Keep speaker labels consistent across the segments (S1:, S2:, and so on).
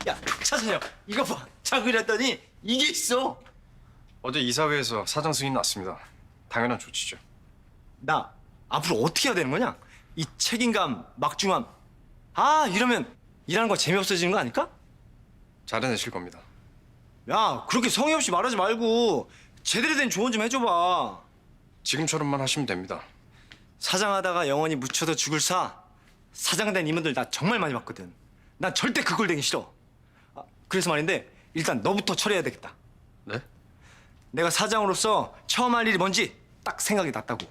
S1: 야, 차선영, 이거 봐. 자그랬더니 이게 있어.
S2: 어제 이사회에서 사장 승인 났습니다. 당연한 조치죠.
S1: 나 앞으로 어떻게 해야 되는 거냐? 이 책임감, 막중함. 아, 이러면 일하는 거 재미없어지는 거 아닐까?
S2: 잘해내실 겁니다.
S1: 야, 그렇게 성의 없이 말하지 말고 제대로 된 조언 좀 해줘봐.
S2: 지금처럼만 하시면 됩니다.
S1: 사장하다가 영원히 묻혀도 죽을 사. 사장 된 이분들 나 정말 많이 봤거든. 난 절대 그 꼴 되기 싫어. 아, 그래서 말인데 일단 너부터 처리해야 되겠다.
S2: 네?
S1: 내가 사장으로서 처음 할 일이 뭔지 딱 생각이 났다고.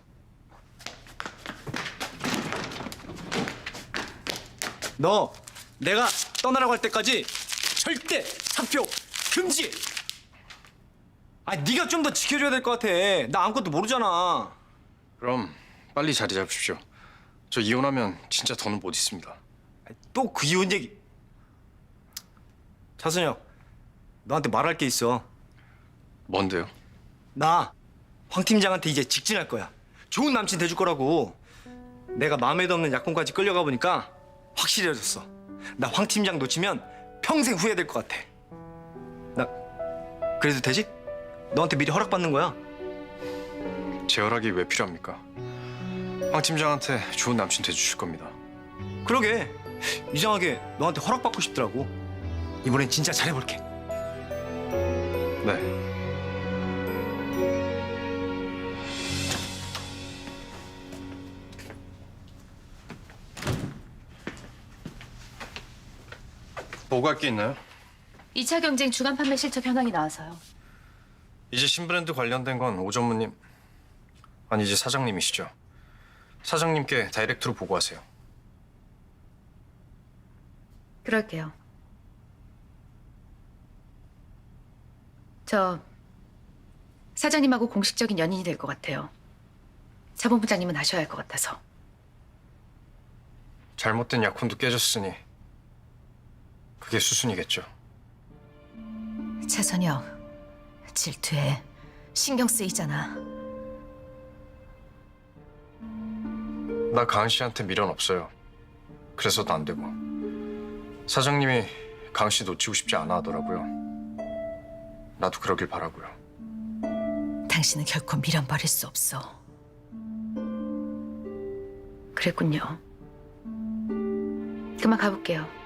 S1: 너 내가 떠나라고 할 때까지 절대 사표 금지. 아, 네가 좀 더 지켜줘야 될 것 같아. 나 아무것도 모르잖아.
S2: 그럼 빨리 자리 잡으십시오. 저 이혼하면 진짜 더는 못 있습니다.
S1: 또 그 이혼 얘기. 차순혁, 너한테 말할 게 있어.
S2: 뭔데요?
S1: 나 황 팀장한테 이제 직진할 거야. 좋은 남친 돼줄 거라고. 내가 마음에도 없는 약혼까지 끌려가 보니까 확실해졌어. 나 황 팀장 놓치면 평생 후회될 것 같아. 나 그래도 되지? 너한테 미리 허락받는 거야.
S2: 제 허락이 왜 필요합니까? 황 팀장한테 좋은 남친 돼주실 겁니다.
S1: 그러게, 이상하게 너한테 허락받고 싶더라고. 이번엔 진짜 잘해볼게.
S2: 네. 보고할 게 있나요?
S3: 2차 경쟁 주간 판매 실적 현황이 나와서요.
S2: 이제 신브랜드 관련된 건 오 전무님, 아니 이제 사장님이시죠. 사장님께 다이렉트로 보고하세요.
S3: 그럴게요. 저 사장님하고 공식적인 연인이 될 것 같아요. 자본부장님은 아셔야 할 것 같아서.
S2: 잘못된 약혼도 깨졌으니 그게 수순이겠죠.
S3: 차선영, 질투해. 신경 쓰이잖아.
S2: 나 가은 씨한테 미련 없어요. 그래서도 안 되고. 사장님이 가은 씨 놓치고 싶지 않아 하더라고요. 나도 그러길 바라고요.
S3: 당신은 결코 미련 버릴 수 없어. 그랬군요. 그만 가볼게요.